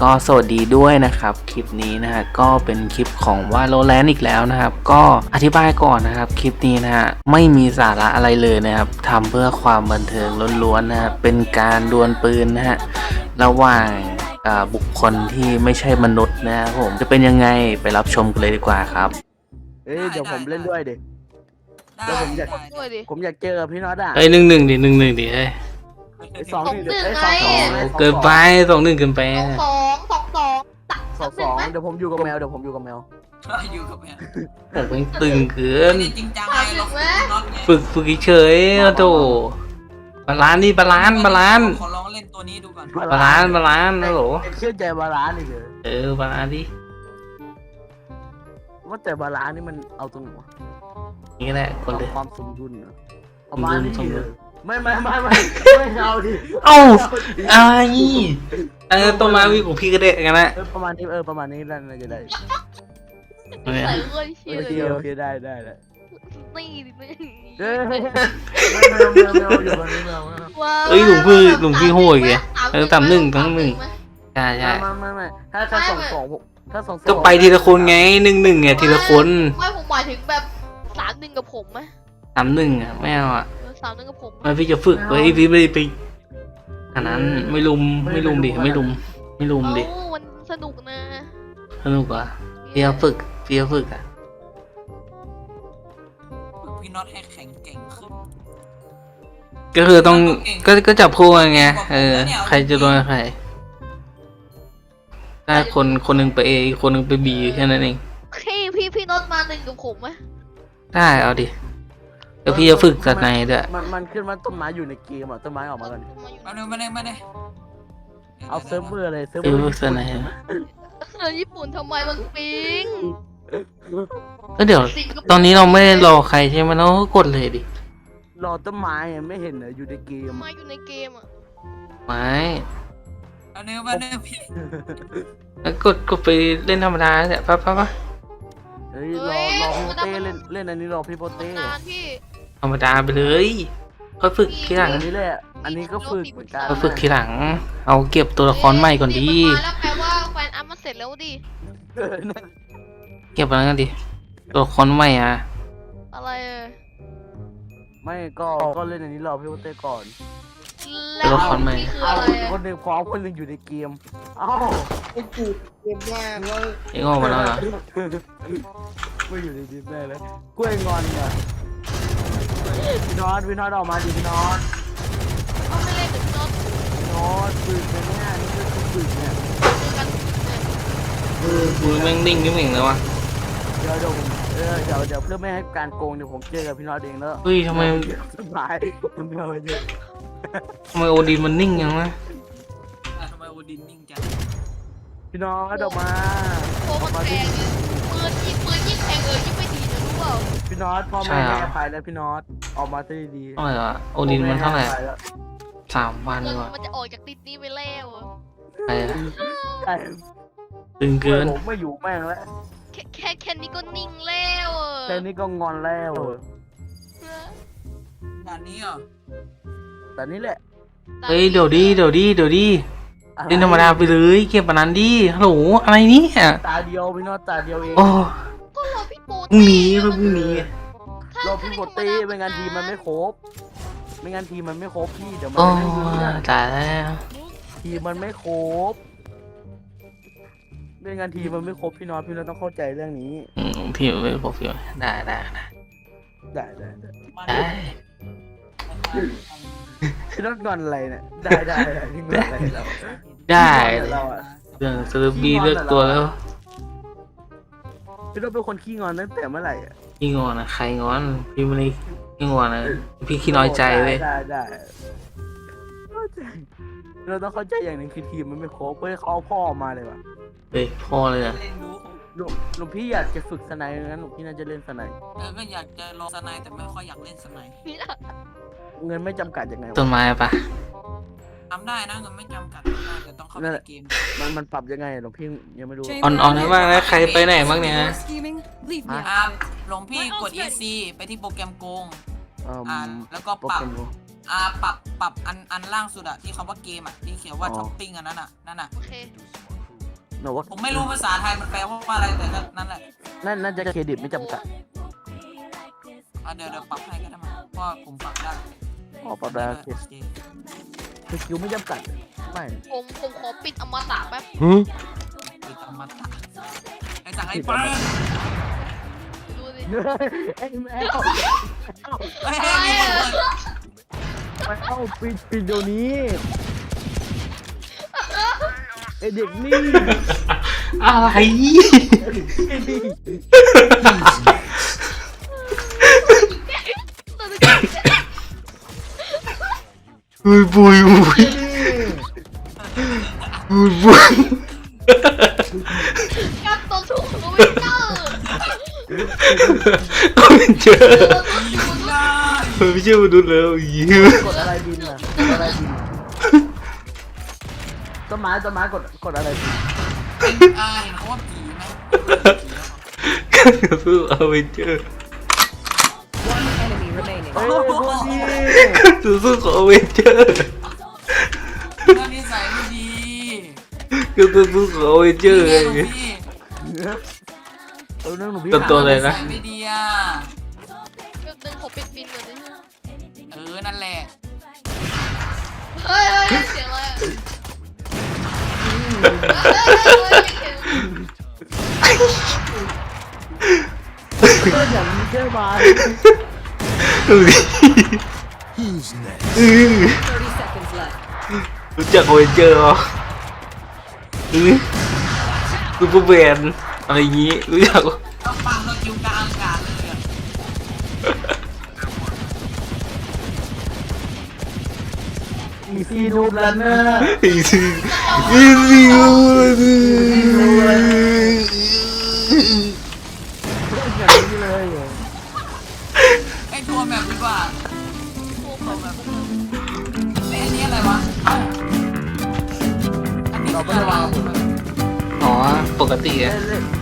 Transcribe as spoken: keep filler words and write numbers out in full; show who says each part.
Speaker 1: ก็สวัสดีด้วยนะครับคลิปนี้นะฮะก็เป็นคลิปของ Valorant อีกแล้วนะครับก็อธิบายก่อนนะครับคลิปนี้นะฮะไม่มีสาระอะไรเลยนะครับทำเพื่อความบันเทิงล้วนๆนะฮะเป็นการดวลปืนนะฮะระหว่างบุคคลที่ไม่ใช่มนุษย์นะครับผมจะเป็นยังไงไปรับชมกันเลยดีกว่าครับ
Speaker 2: เอ้ยเดี๋ยวผมเล่นด้วยดิเดี๋ยวผมอยากผมอยากเจอพี่น็อตอ่ะ
Speaker 1: เอ้ยหนึ่งหนึ่งดิหนึ่งหนึ่งดิเอ้ย
Speaker 2: สองหนึ่ง
Speaker 3: ไอ้
Speaker 2: สองสอง
Speaker 1: เกินไปสองหนึ่งเกินไป
Speaker 3: สองสองสองสอง
Speaker 2: สองสองเดี๋ยวผมอยู่กับแมวเดี๋ยวผมอยู่กับแมว
Speaker 4: อยู่กับแม่
Speaker 1: ผมเป็นตึงเกิน
Speaker 4: จริงจังไงเราน็อตไง
Speaker 1: ฝึกฝึกเฉยๆโอ้โธ่บาลานซ์นี่บาลานซ์บาลานซ์
Speaker 4: ขอลองเล่นตัวนี้ดูก่อน
Speaker 1: บาลานซ์บาลานซ์นะโหล
Speaker 2: เชื่อใจบาลานซ์นี่เลย
Speaker 1: เออบาลานซ์ดิ
Speaker 2: ว่าแต่บาลานซ์นี่มันเอาตรงไหนวะ
Speaker 1: นี่แหละคนเลย
Speaker 2: ความสมดุลเหรอประมาณนี้
Speaker 1: สมดุล
Speaker 2: ไม่ไม่ไม่ไม่ไม่เอาดิ
Speaker 1: เอ้าอะไรเออต้นไม้วิของพี่ก็ได้กันนะ
Speaker 2: เออประมาณนี้เออประมาณนี้น่าจะได้
Speaker 3: ใส่เอ้ย
Speaker 2: โอ
Speaker 3: เชี่ย
Speaker 2: เคโอเคได้ได้ได้
Speaker 3: นี่นี่
Speaker 2: เฮ้ยแมวแมวแมวอยู่กับนี้แมว
Speaker 3: ว้าว
Speaker 1: เอ้ยหลวงพี่หลวงพี่โหดแกเออต่ำหนึ่งทั้งหนึ่งใช่ใช่
Speaker 2: ไม่ไม่ไม่ถ้าถ้าสองสองถ้าสอง
Speaker 1: ก็ไปทีละคนไงหนึ่งหนึ่งไงทีละคน
Speaker 3: ไม่ผมหมายถึงแบบสามหนึ่งกับผมไหม
Speaker 1: สามหนึ่งอ่ะไม่เอาอ่ะ
Speaker 3: สามหนึ่งกับผม
Speaker 1: ไม่พี่จะฝึกไว้พี่ไม่ได้ไปอันนั้นไม่ลุมไม่ลุมดิไม่ลุมไม่ลุมดิ
Speaker 3: เอ้ามันสนุกนะ
Speaker 1: สนุกอ่ะพี่จะฝึกพี่จะฝึกอ่ะ
Speaker 4: ฝึกพี่น็อตให้แข็งเก่งขึ้น
Speaker 1: ก็คือต้องก็ก็จับคู่กันไงเออใครจะโดนใครถ้าคนคนหนึ่งไปเออีกคนหนึ่งไปบีแค่นั้นเอง
Speaker 3: พี่พี่พี่น็อตมาหนึ่งกับผมไหม
Speaker 1: ได้เอาดิแล้วพี่จะฝึกจากไหนด้วย
Speaker 2: มันมันขึ้นมาต้นไม้อยู่ในเกมอ่ะต้นไม้ออกมาก่อน
Speaker 4: มาเร็วมาเร็วมาเร็ว
Speaker 2: เอาเซิร์ฟเวอร์เลยเซิร์ฟ
Speaker 1: เอ
Speaker 2: เวอ
Speaker 1: อ
Speaker 2: ร์
Speaker 1: เสนอ
Speaker 3: เออญี่ปุ่นทำไมมันปิง
Speaker 1: ก็เดี๋ยวตอนนี้เราไม่ได้รอใครใช่ไหมเราก็กดเลยดิ
Speaker 2: รอต้นไม้อะไม่เห็นเหรออยู่ในเกม
Speaker 3: มาอยู่ในเกมอ่ะ
Speaker 1: ไม่
Speaker 4: มาเร็วมาเร็วพี่
Speaker 1: แล้วกดกดไปเล่นธรรมดาเนี่ยปั๊บปั๊บปั๊บ
Speaker 2: เฮ้ยรอรอพี่โปเต้เล่นเล่นอันนี้รอพี่โปเต้
Speaker 3: นานพี่
Speaker 1: ธรรมดาไปเลยค่อยฝึกทีหลัง
Speaker 2: อันนี้แหละอันนี้ก็ฝึกเหมือนกัน
Speaker 1: ค่อยฝึกทีหลัง เอาเก็บตัวละครใหม่ก่อนดี
Speaker 3: มาแล้วแปลว่าแฟนอัพมันเสร็จแล้วดิ
Speaker 2: เออนั่น
Speaker 1: เก็บอะไรกันดิตัวละครใหม่อ่ะ
Speaker 3: อะไรเออ
Speaker 2: ไม่ก็ก็เล่นอันนี้รอพี่โปเต้ก่อน
Speaker 3: แล้วนี่คืออะไร
Speaker 2: คนหนึ่งพร้อมคนหนึ่งอยู่ในเกมเอ้าไอ้กูเกมแม่งเลย
Speaker 1: เอ็งออกมาแล้วเหรอ
Speaker 2: ไม่อยู่ในดิสแม่เลยกล้วยงอนอ่ะพี่นอตพี่นอตออกมาดิพี่นอต
Speaker 3: เขาไม่เล่นกับพี่น็อต
Speaker 2: พี่นอตฝึกนะเนี่ยนี่คือฝึกเนี่ย
Speaker 3: คือกันเนี่ย
Speaker 1: มือแม่งนิ่งนิ่งเลยวะ
Speaker 2: เดี๋ยวเดี๋ยวผมเออเดี๋ยวเดี๋ยวเพื่อไม่ให้การโกงเดี๋ยวผมเจอกับพี่นอตเองแล้ว
Speaker 1: เฮ้ยทำไม
Speaker 2: สบายไม่เอาไปเยอะ
Speaker 1: ทำไมโอดีนมันนิ่งยังวะ
Speaker 4: ทำไมโอดินนิ่งจัง
Speaker 2: พี่นอตออกมา
Speaker 3: โคมันแพงเนี่ยปืนยิ่งปืนยิ่งแพงเออยิ่งไม่ดีนะรู้เปล่า
Speaker 2: พี่นอตพ่อแม่ให้อภัยแล้วพี่นอตออกมาซะดี
Speaker 1: เท่าไหร่วะโอดีนมันเท่าไหร่
Speaker 2: พ่อแให้อภัยแล้ว
Speaker 1: สามพัน
Speaker 3: เงิน
Speaker 1: วะ
Speaker 3: มันจะออกจากติดนี้ไปแล้วอะ
Speaker 1: ใครอะ
Speaker 2: ใช่
Speaker 1: ตึงเกิน
Speaker 2: ผมไม่อยู่แม่งแล้ว
Speaker 3: แค่แค่แค่นี้ก็นิ่งแล้วอะ
Speaker 2: แค่นี้ก็งอนแล้ว
Speaker 4: ด่านนี้เหรอ
Speaker 2: แต่นี่แหละ
Speaker 1: เฮ้ยเดี๋ยวดิเดี๋ยวดิเดี๋ยวดิ
Speaker 2: อะไร
Speaker 1: เล่นธรรมดาไปเลยเก็บอันนั้นดิฮัลโหลอะไรเนี่ย
Speaker 2: ตาเดียวพี่นอตตาเดียวเอง
Speaker 1: โอ้
Speaker 3: ก็รอพี่โป
Speaker 1: พรุ่งนี้พรุ่งนี้
Speaker 2: รอพี่โปเต้ไม่งั้นทีมมันไม่ครบไม่งั้นทีมมันไม่ครบพี่เดี๋ยวมัน
Speaker 1: โอ้
Speaker 2: ไม่รู้เรื่อง
Speaker 1: ตายแล้ว
Speaker 2: ทีมมันไม่ครบไม่งั้นทีมมันไม่ครบพี่นอตพี่นอตต้องเข้าใจเรื่องนี้
Speaker 1: อืมพี่ไม่บอกพี่ได้ได้ได้
Speaker 2: ได้ได้ได้
Speaker 4: มา
Speaker 1: ได้
Speaker 2: พี่นอตงอนอะไรเนี่ยได้ได้ได้พี่งอนอะไรเรา
Speaker 1: ได้
Speaker 2: เราอะ
Speaker 1: เรื่องสรุปบีเลือกตัวแล้ว
Speaker 2: พี่นอตเป็นคนขี้งอนตั้งแต่เมื่อไหร่อะ
Speaker 1: พี่งอนนะใครงอนพี่ไม่ได้พี่งอนนะพี่ขี้น้อยใจเว้ย
Speaker 2: ได้ได้เข้าใจเราต้องเข้าใจอย่างหนึ่งคือทีมมันไม่ครบเพื่อเขาเอาพ่อออกมาเลยว่ะ
Speaker 1: เฮ้ยพ่อเลยอ่ะ
Speaker 4: เล่นรู้
Speaker 2: หลวงหลวงพี่อยากจะฝึกสไนด์งั้นหลวงพี่น่าจะเล่นสไนด์
Speaker 4: เออก็อยากจะลองสไนแต่ไม่ค่อยอยากเล่นสไน
Speaker 3: นี่ละ
Speaker 2: เงินไม่จำกัดยังไง
Speaker 1: ต้น
Speaker 2: วะ
Speaker 1: ไม้ปะ
Speaker 4: ทำได้นะเงินไม่จำกัดแต่ต้องเข้าไปในเกม
Speaker 2: มันมันปรับยังไงหลวงพี่ยังไม่รู้
Speaker 1: อ่อนอ่อนให้บ้างนะใครไปไหนบ้างเนี่ย
Speaker 5: Scheming, leave me
Speaker 4: อ่าหลวงพี่กด อี ซี ไปที่โปรแกรมโกง
Speaker 2: เอ่อ
Speaker 4: อ่าแล้วก็
Speaker 2: โปร
Speaker 4: ปรั
Speaker 2: แก
Speaker 4: บ
Speaker 2: รมรู้
Speaker 4: อ่าปรับปรับอันอันล่างสุดอะที่คำว่าเกมอะที่เขียนว่า
Speaker 2: อ๋อ
Speaker 4: ช้อปปิ้งอันนั้นอะนั่นอะ
Speaker 3: โอเค
Speaker 2: หนูว่า
Speaker 4: ผมไม่รู้ภาษาไทยมันแปลว่าอะไรแต่ก็นั่นแหละ
Speaker 2: นั่นน่าจะเครดิตไม่จำกัด
Speaker 4: อ่ะเดี๋ยวเดี๋ยวปรับให้ก็ได้มั้งเพราะผมปรับได้
Speaker 2: อ๋อปรับได้โอเคสกิลไม่จำกัดไม่
Speaker 3: ผมผมขอปิดอมตะแป๊บ
Speaker 4: ปิดอมตะไอ้สั่งไอ้เปิ้ล
Speaker 3: ดูสิ
Speaker 2: ไอ้แมว
Speaker 4: เฮ้ย
Speaker 3: อะไร
Speaker 4: มีคน
Speaker 3: อะ
Speaker 4: เปิด
Speaker 2: แมวปิดปิดเดี๋ยวนี้ไอเด็กนี่
Speaker 1: อะไร
Speaker 2: ไอ้นี่
Speaker 1: บุยบุยบุยบุยบุย
Speaker 3: กับตัวถูกรู้ไม่เจอ
Speaker 1: ก็ไม่เจอ
Speaker 4: ยิงได้
Speaker 1: ไม่เชื่อมาดูแล้วยิ้ม
Speaker 2: กดอะไรบินอ่ะกดอะไรบินต้นไม้ต้นไม้กดกดอะไรบิน
Speaker 4: เป็นอ่าเห็นเขาว่าผีไหม
Speaker 1: ก็สู้เอาไม่เจอ
Speaker 5: One enemy remaining.
Speaker 2: เฮ้ยพวกนี้
Speaker 1: สู้สู้ขอเอาไม่เจอ
Speaker 4: เรื่องนิสัยไม่ดี
Speaker 1: ก็สู้สู้ขอเอาไม่เจอ
Speaker 4: นี่
Speaker 1: ไง
Speaker 4: ไงพี่
Speaker 2: เออเรื่องหนูพี่
Speaker 1: ตัวตัว เลยนะ
Speaker 4: นิสัไม่ดีอ่ะ
Speaker 3: แป๊บนึงขอปิดบินก่อนดิ
Speaker 4: เออนั่นแหละ
Speaker 3: เฮ้ยเฮ้ยเสียงอะไรอะเฮ้ยเฮ้ยเฮ้ยเสียง
Speaker 2: เรื่องอย่างนี้ใช่ไหม
Speaker 1: ดูดิอือ
Speaker 5: thirty seconds left.
Speaker 1: รู้จักโอเวนเจอร์เหรออือซูเปอร์แมนอะไรอย่างงี้รู้จักปะ
Speaker 4: ต้องปังเราคิวกลางอากาศเลยอ่ะ
Speaker 2: อีซีนูบแล้วนะ
Speaker 1: อีซีอีซีโอ้ย
Speaker 2: เรื่องอย่างนี้เลยเหรอ
Speaker 4: ไอ้ทัวร์แบบดีกว่าทัวร์แบบไอ้อันนี้อะไรวะเอ้าอันนี้คืออะไร
Speaker 1: อ๋อปกติ
Speaker 2: เล่
Speaker 1: อะ
Speaker 2: นเล่น